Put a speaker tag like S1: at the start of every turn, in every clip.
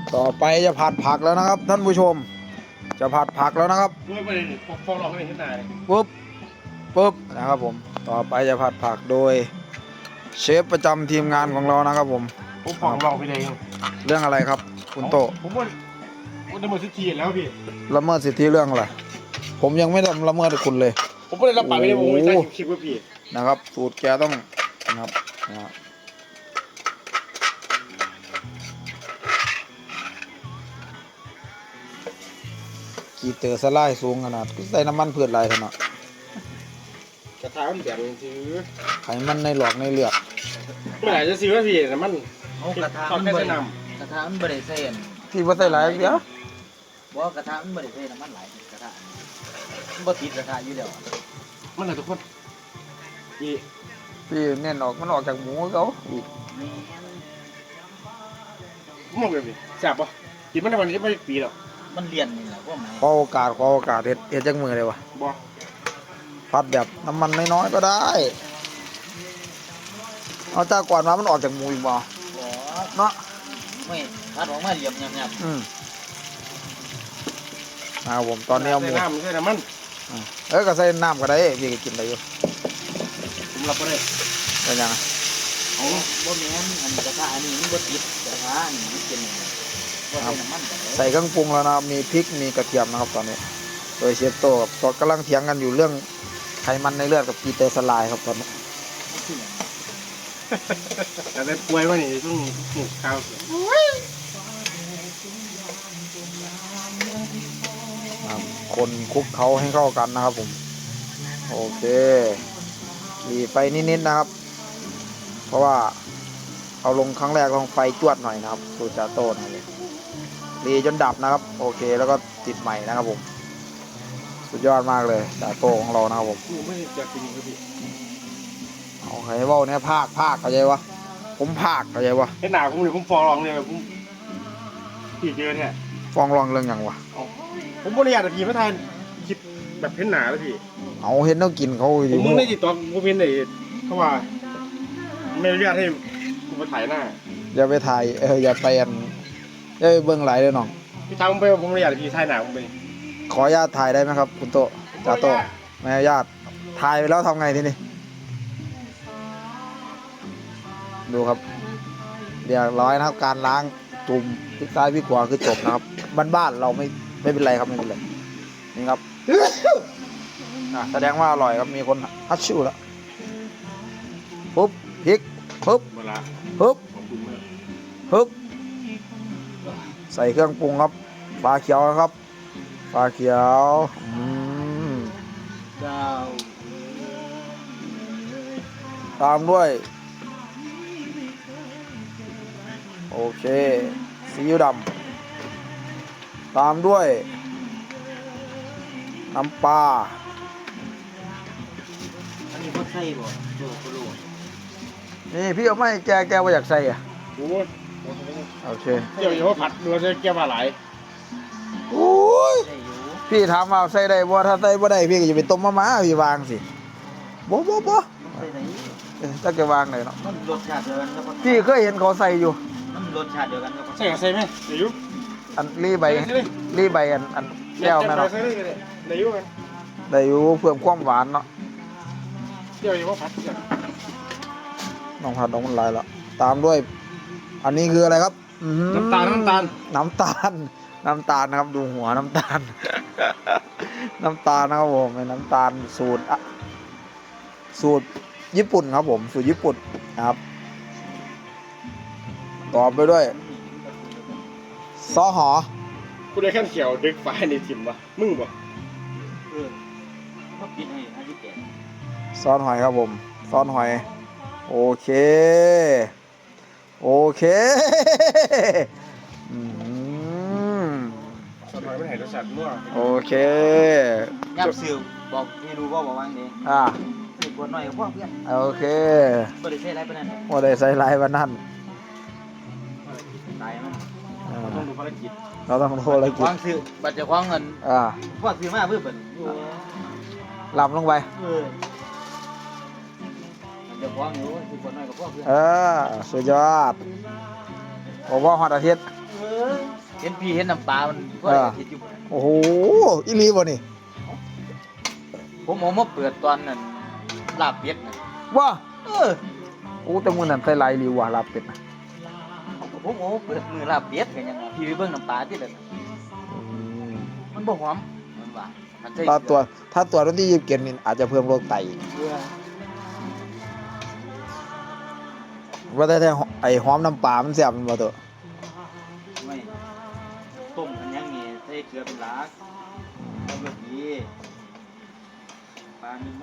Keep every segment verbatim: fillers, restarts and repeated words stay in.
S1: ต่อไปจะผัดผักแล้วนะครับท่านผู้ชมจะผัดผักแล้วนะครับ
S2: ด้วยไปฟองหลอกให้เห็นหน้าเลย
S1: ปุ๊บปุ๊บนะครับผมต่อไปจะผัดผักโดยเชฟประจำทีมงานของเรานะครับผม
S2: ผมฟองหลอกไปเลย
S1: เรื่องอะไรครับคุณโต
S2: ผมว่าผมละเมิดสิทธิแล้วพี่
S1: ละเมิดสิทธิเรื่องอะไรผมยังไม่ทำละเมิดคุณเลย
S2: ผมไม่ได้รับปากไม่ได้ผมไม่ได้คลิปว่าพี่
S1: นะครับสูตรแกต้องนะครับนะกีเตอร์สไลด์สูงขนาดใส่น้ำมันพืชลายขนาด
S2: กระทะมันแบบซื้อ
S1: ไขมันในหลอกในเลือด
S2: เมื่อไหร่จะซื้อว่าพี่แต่มัน
S3: เอากระทะมันบริกระทะมันบริเซน
S1: ที่ว่าใส่หลายเดียว
S3: ว่ากระทะมันบริเซนมันหลายกระทะมันบ่ติดกระทะอยู่เดียว
S2: มันอะไรทุกคนพี่
S1: พี่เนี่ยออกมันออกจากหมูเขาอีก
S2: มองแบบนี้จับปะกินมันในวันนี้ไม่ปีหรอก
S3: มันเรียนนี่แหละพวกมัน
S1: ขอโอกาสขอโอกาสเฮ็ดเฮ็ดจังมือเลยวะ
S2: บ่
S1: พัดแบบน้ำมันน้อยๆก็ได้เอาจากก่อนมามันออกจากหมูอีกบ่เนาะ
S3: ไม่พัดออกมาเหลี่ยมหยาบ
S1: ๆอืมอ่าผมตอนนี้เอาหมู
S2: ใส่น้ำใส่น้ำมัน
S1: เอ้ยก็ใส่น้ำก็ได้พี่ก็กินได้อยู่
S2: ผมรับก็ได้
S1: เป็นยังไง
S3: เอาบ่แม่นอันกระทะอันนี้มันบ่ติดกระทะอันนี้มันเป็นบ่ใส่น้ำมัน
S1: ใส่เครื่องปรุงแล้วนะมีพริกมีกระเทียมนะครับตอนนี้โดยเชฟโตกับตอนกำลังเถียงกันอยู่เรื่องไขมันในเลือดกับกีเตอร์สลายครับตอนนี้
S2: แต่ได้ป่วยว่านี่ต้องหมูข้าว
S1: คนคลุกเขาให้เข้ากันนะครับผมโอเครีไฟนิดๆนะครับเพราะว่าเอาลงครั้งแรกลงไฟจวดหน่อยนะครับสูตรจาโต้นะครับรีจนดับนะครับโอเคแล้วก็ติดใหม่นะครับผมสุดยอดมากเลยจาโต้ของเรานะครับผม
S2: ไม่จะกินครับพี่
S1: โอเคว่าเนี่ยภาคภาคเข้าใจวะผมภาคเข้าใจวะ
S2: ไอ้หนาผมเลยผมฟองรองเลยผมผีเยอะเนี่ย
S1: ฟ้องร้องเรื่องอย่างวะ
S2: ผมบริยาแต่ผีไม่ทันคิดแบบเพ้นหนาแล้วพี่
S1: เอาเห็นต้องกินเขา
S2: ผมมึงได้ติดต่อกูเพ้นไหนเขาว่าไม่อนุญาตให้กูมาถ่ายหน้า
S1: อย่าไปถ่ายเอออย่าไปอันอย่าไปเบื้องไหลเลยน้อง
S2: พี่ทำไปผมบริยาแต่ผีถ่ายหนาผมไป
S1: ขออนุญาตถ่ายได้ไหมครับคุณโตจ่าโตไม่อนุญาตถ่ายไปแล้วทำไงทีนี้ดูครับเรียบร้อยนะครับการล้างจุ่มพลิกซ้ายพลิกขวาคือจบนะครับบ้านๆเราไม่ไม่เป็นไรครับไม่เป็นไรนี่ครับแสดงว่าอร่อยครับมีคนฮัชชิวแล้วปุ๊บพริกปุ๊บปุ๊บปุ๊บใส่เครื่องปรุงครับปลาเขียวครับปลาเขียวอืมตามด้วยโอเคซีอิ๊วดำตามด้วยน้ำปลา
S3: อันนี้พอใส่บ่โลโล
S1: นี่พี่เอาไม่แกแกว่าอยากใส่อ่ะ
S2: โอ้
S1: โอเค
S2: เดี๋ยวอย่าว่าผัดเราจะแก้มาหลาย
S1: โอ้ยพี่ถามว่าใส่ได้บ่ถ้าใส่บ่ได้พี่ก็จะไปต้มมะม่าพี่วางสิบ่บ่บ่ถ้าแกวางเลยเนาะ
S3: มันรสชาติเดียวกันครับ
S1: พี่เคยเห็นเขาใส่อยู่
S3: มันรสชาติเดียวกันครับ
S2: ใส่ใส่ไหมเดี๋ยวยุ
S1: อันรีใบรีใบอันอันแก้วแม่เนาะ
S2: เดี๋ยวยุกัน
S1: เดี๋ยวเพิ่มความหวานเนาะ
S2: เดี๋ยวอย่าว่าผัด
S1: น้องผัดน้องมันลายละตามด้วยอันนี้คืออะไรครับ
S2: น้ำตาลน้ำตาล
S1: น้ำตาลน้ำตาลนะครับดูหัวน้ำตาลน้ำตาลนะครับผมเป็นน้ำตาลสูตรสูตรญี่ปุ่นครับผมสูตรญี่ปุ่นนะครับต่อไปด้วยซอหอ
S2: กูได้ขั้นเขียวดึกไฟในทิมวะมึงบ่
S3: เออเขาปิดให้อายุแก่
S1: ซอสหอยครับผมซอสหอยโอเคโอเคอืม
S2: ซอสหอยไม่เห็นรสชาติมั่ว
S1: โอเค
S3: ยับซิวบอกพี่รู้ว่าบอกว่างนี้
S1: อ่า
S3: สิกวนหน่อยกับพ่อเพื่อน
S1: โอเค
S3: บ่ได้ใส่ไรปานนั้น
S1: บ่ได้ใส่ไรปานนั้น
S3: ตายมัน
S2: เราต้องดูภารกิจ
S1: เราต้องดูภารกิจ
S3: วางซื้อบัตรจะคว้างเงิน
S1: อ่า
S3: พวกซื้อมาเพื่อเป็น
S1: ลำลงไป
S3: เออจะคว้างอยู่สิกวนหน่อยกับพ่อเพื่อน
S1: เออสุดยอดผมว่าฮอตอาทิตย์
S3: เออเห็นพี่เห็นน้ำปลามันก็
S1: เออ
S3: คิดอยู่
S1: โอ้โหอีหลีบ่นี่
S3: ผมเอามาเปิดตอนนั้นลาบเป็ดน่ะ
S1: ว่า
S3: เออ
S1: โอ้แต่มื้อนั้นใส่หลายอีหลีว่ะลาบเป็ดนะ
S3: ผมเอามาเปิดมือลาบเป็ดกันยังไงพี่ไปเบิ่งน้ำปลาที่เลย
S1: อืม
S3: มันบ่หอมมันว่ามันใส่
S1: ถ้าตัวถ้าตัววันที่ยี่สิบเจ็ดนี่อาจจะเพิ่มโรคไตอีก
S3: เกลือ
S1: ว่าแต่แต่ไอ้หอมน้ำปลามันแซ่บมันบ่ตัว
S3: ไม่ต้มกันยังไงใส่เกลือเป็นหลักแล้วก็ดีปลานี่ไหม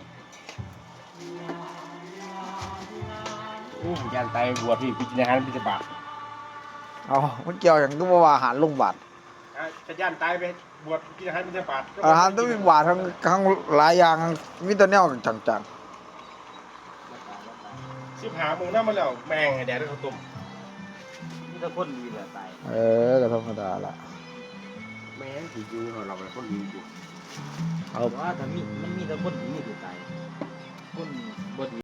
S2: โอ้ยานไตบวชพี่พิจารณาพิจารณา
S1: เอามันเกี่ยวหยังก็บ่ว่าอาหารโรงพยาบาล
S2: จะย่านไตไปบวชพิจารณาพิจารณา
S1: อาหารต้องมีหวานทั้งทั้งหลายอย่างมีแต่แนวจัง
S3: แล้วปลาแล้วปลา
S2: สิบหามือหน้ามาแล้วแมงไอ้แดดได้ข้าวต้ม
S3: นี่ถ้าคนดีแหละตาย
S1: ๆเออก็ธรรมดาละ
S2: แมงผียูเราเราเป็นคนดีอยู่
S1: เอา
S3: แต่ว่าถ้ามีมันมีแต่คนดีที่ตาย